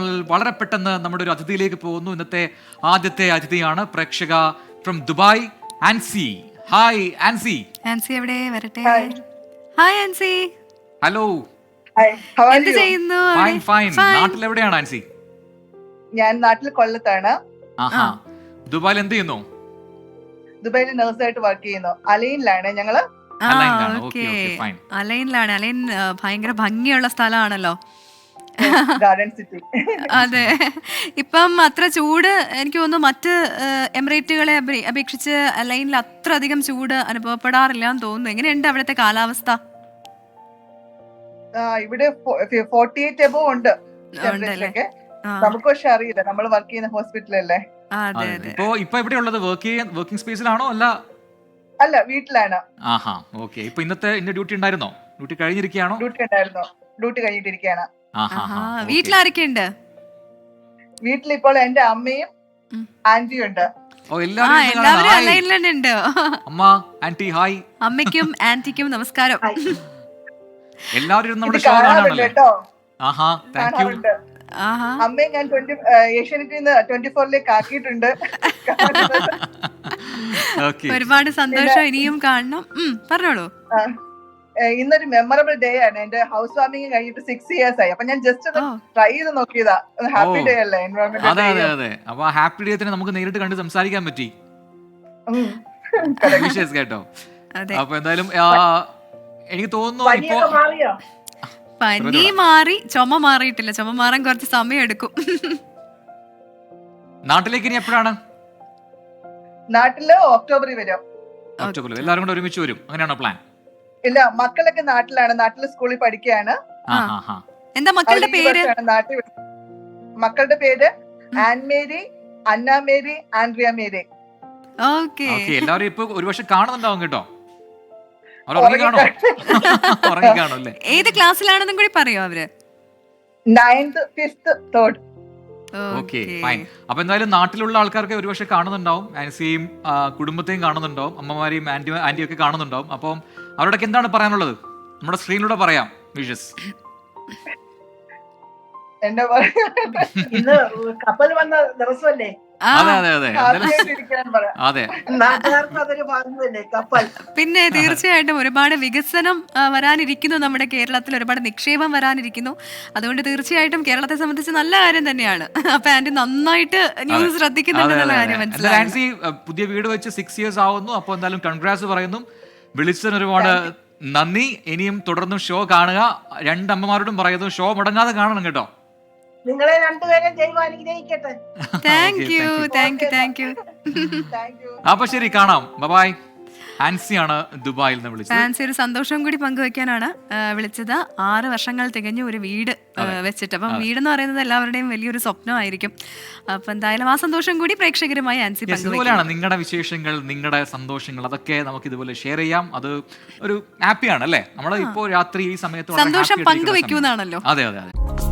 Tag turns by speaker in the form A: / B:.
A: നമ്മൾ വളരെ പെട്ടെന്ന് നമ്മുടെ ഒരു അതിഥിയിലേക്ക് പോകുന്നു. ഇന്നത്തെ ആദ്യത്തെ അതിഥിയാണ് പ്രേക്ഷക ഫ്രം ദുബായ്, ആൻസി. ഹായ് ആൻസി.
B: ആൻസി എവിടെ വരട്ടെ? ഹായ് ആൻസി.
A: ഹലോ.
B: എന്ത് ചെയ്യുന്നു?
A: Fine fine. നാട്ടിൽ എവിടെയാണ് ആൻസി?
C: ഞാൻ നാട്ടിൽ കൊല്ലത്താണ്.
A: ആഹാ. ദുബായിൽ എന്ത് ചെയ്യുന്നു?
C: ദുബായിൽ നഴ്സായിട്ട് വർക്ക് ചെയ്യുന്നു. അലൈനിലാണ് ഞങ്ങള്.
B: അലൈനിലാണ്. അലൈൻ ഭയങ്കര ഭംഗിയുള്ള സ്ഥലമാണല്ലോ.
C: Garden city.
B: അതെ. ഇപ്പം അത്ര ചൂട് എനിക്ക് തോന്നുന്നു മറ്റ് എമിറേറ്റുകളെ അപേക്ഷിച്ച് അലൈനിൽ അത്ര അധികം ചൂട് അനുഭവപ്പെടാറില്ല എന്ന് തോന്നുന്നു. എങ്ങനെയുണ്ട് അവിടുത്തെ കാലാവസ്ഥ?
C: ഇവിടെ 48 എബോ ഉണ്ട്. നമുക്ക് പക്ഷെ അറിയില്ല, നമ്മൾ വർക്ക് ചെയ്യുന്ന ഹോസ്പിറ്റലല്ലേ.
A: ഇപ്പൊ എവിടെയുള്ളത്? വർക്കിംഗ് സ്പേസിലാണോ?
C: അല്ല, വീട്ടിലാണ്.
A: ആഹാ, ഓക്കെ. ഇപ്പൊ ഇന്നത്തെ ഡ്യൂട്ടി ഉണ്ടായിരുന്നോ? ഡ്യൂട്ടി കഴിഞ്ഞിരിക്കുകയാണോ?
C: ഡ്യൂട്ടി ഉണ്ടായിരുന്നു. ഡ്യൂട്ടി കഴിഞ്ഞിട്ടിരിക്കുകയാണ്.
B: വീട്ടിലാരൊക്കെ ഉണ്ട്?
C: വീട്ടിലിപ്പോൾ എന്റെ അമ്മയും ആന്റിയും ഉണ്ട്.
B: എല്ലാവരും അലൈനിലുണ്ട്.
A: അമ്മ, ആന്റി, ഹായ്.
B: അമ്മയ്ക്കും ആന്റിക്കും നമസ്കാരം.
A: എല്ലാവരും നമ്മുടെ ഷോ കാണാണല്ലോ കേട്ടോ. ആഹാ, താങ്ക് യു.
C: അമ്മയെ ഞാൻ ഏഷ്യാനെറ്റിൽ നിന്ന് 24ലേക്ക് ആക്കിയിട്ടുണ്ട്.
B: ഒരുപാട് സന്തോഷം. ഇനിയും കാണണം. പറഞ്ഞോളൂ.
C: ഇന്നൊരു മെമ്മറബിൾ ഡേ ആണ്. എന്റെ ഹൗസ് വാമിംഗ് കഴിഞ്ഞിട്ട് 6 years ആയി. അപ്പൊ ഞാൻ ജസ്റ്റ് ഒന്ന് ട്രൈ ചെയ്ത് നോക്കിയതാ. ഹാപ്പി ഡേ അല്ലേ?
A: അപ്പൊ ഹാപ്പി ഡേ തന്നെ നമുക്ക് നേരിട്ട് കണ്ട് സംസാരിക്കാൻ പറ്റി. കേട്ടോ. അപ്പൊ എന്തായാലും എനിക്ക് തോന്നുന്നു ഇപ്പോ
B: പനി മാറി, ചുമ മാറിയിട്ടില്ല. ചുമ മാറാൻ കുറച്ച് സമയം എടുക്കും.
A: നാട്ടിലേക്ക് ഇനി എപ്പോഴാണ്?
C: നാട്ടില് ഒക്ടോബറിൽ വരും.
A: ഒക്ടോബറിൽ എല്ലാവരും കൂടെ ഒരുമിച്ച് വരും, അങ്ങനെയാണോ പ്ലാൻ?
C: ഇല്ല, മക്കളൊക്കെ നാട്ടിലാണ്. നാട്ടില് സ്കൂളിൽ പഠിക്കുകയാണ്.
B: എന്താ മക്കളുടെ പേര്?
C: മക്കളുടെ പേര് ആൻമേരി, അന്ന മേരി, ആൻഡ്രിയ മേരി.
A: എല്ലാവരും ഇപ്പൊ ഒരുപക്ഷെ കാണുന്നുണ്ടാവും കേട്ടോ.
B: ഏത് ക്ലാസ്സിലാണെന്നും കൂടി പറയോ അവര്?
C: 9th, 5th, 3rd.
A: Okay, fine. അപ്പൊ എന്തായാലും നാട്ടിലുള്ള ആൾക്കാർക്ക് ഒരുപക്ഷെ കാണുന്നുണ്ടാവും. ആൻസിയും കുടുംബത്തെയും കാണുന്നുണ്ടാവും, അമ്മമാരെയും ആന്റിയും ഒക്കെ കാണുന്നുണ്ടാവും. അപ്പം അവരോടൊക്കെ എന്താണ് പറയാനുള്ളത്? നമ്മുടെ സ്ക്രീനിലൂടെ പറയാം. വിഷസ്.
C: ഇന്ന് കപ്പൽ വന്ന ദിവസമല്ലേ?
B: പിന്നെ തീർച്ചയായിട്ടും ഒരുപാട് വികസനം വരാനിരിക്കുന്നു. നമ്മുടെ കേരളത്തിൽ ഒരുപാട് നിക്ഷേപം വരാനിരിക്കുന്നു. അതുകൊണ്ട് തീർച്ചയായിട്ടും കേരളത്തെ സംബന്ധിച്ച് നല്ല കാര്യം തന്നെയാണ്. അപ്പൊ ആന്റി നന്നായിട്ട് ന്യൂസ് ശ്രദ്ധിക്കുന്നുണ്ടെന്നുള്ള കാര്യം മനസ്സിലായി.
A: ആൻസി പുതിയ വീട് വെച്ച് 6 years ആവുന്നു. അപ്പൊ എന്തായാലും കൺഗ്രാറ്റ്സ് പറയുന്നു. വിളിച്ചതിന് ഒരുപാട് നന്ദി. ഇനിയും തുടർന്നും ഷോ കാണുക. 2 അമ്മമാരോടും പറയുന്നു, ഷോ മുടങ്ങാതെ കാണണം കേട്ടോ.
C: നിങ്ങളെ രണ്ടുപേരും ദൈവം അനുഗ്രഹിക്കട്ടെ.
B: Thank you.
A: അപ്പൊ ശരി, കാണാം. ബൈ. ആൻസിയാണ് ദുബായിൽ നിന്ന് വിളിച്ചത്.
B: ആൻസി ഒരു സന്തോഷം കൂടി പങ്കുവെക്കാനാണ് വിളിച്ചത്. 6 വർഷങ്ങൾ തികഞ്ഞ ഒരു വീട് വെച്ചിട്ട്. അപ്പം വീടെന്ന് പറയുന്നത് എല്ലാവരുടെയും വലിയൊരു സ്വപ്നമായിരിക്കും. അപ്പൊ എന്തായാലും ആ സന്തോഷം കൂടി പ്രേക്ഷകരുമായി ആൻസി
A: പങ്കുവെക്കുകയാണ്. നിങ്ങളുടെ വിശേഷങ്ങൾ, നിങ്ങളുടെ സന്തോഷങ്ങൾ, അതൊക്കെ നമുക്ക് ഇതുപോലെ ഷെയർ ചെയ്യാം. അത് ഒരു ഹാപ്പിയാണ് അല്ലേ? നമ്മൾ ഇപ്പോ രാത്രി ഈ സമയത്ത്
B: സന്തോഷം പങ്കുവെക്കുന്നാണല്ലോ.
A: അതെ.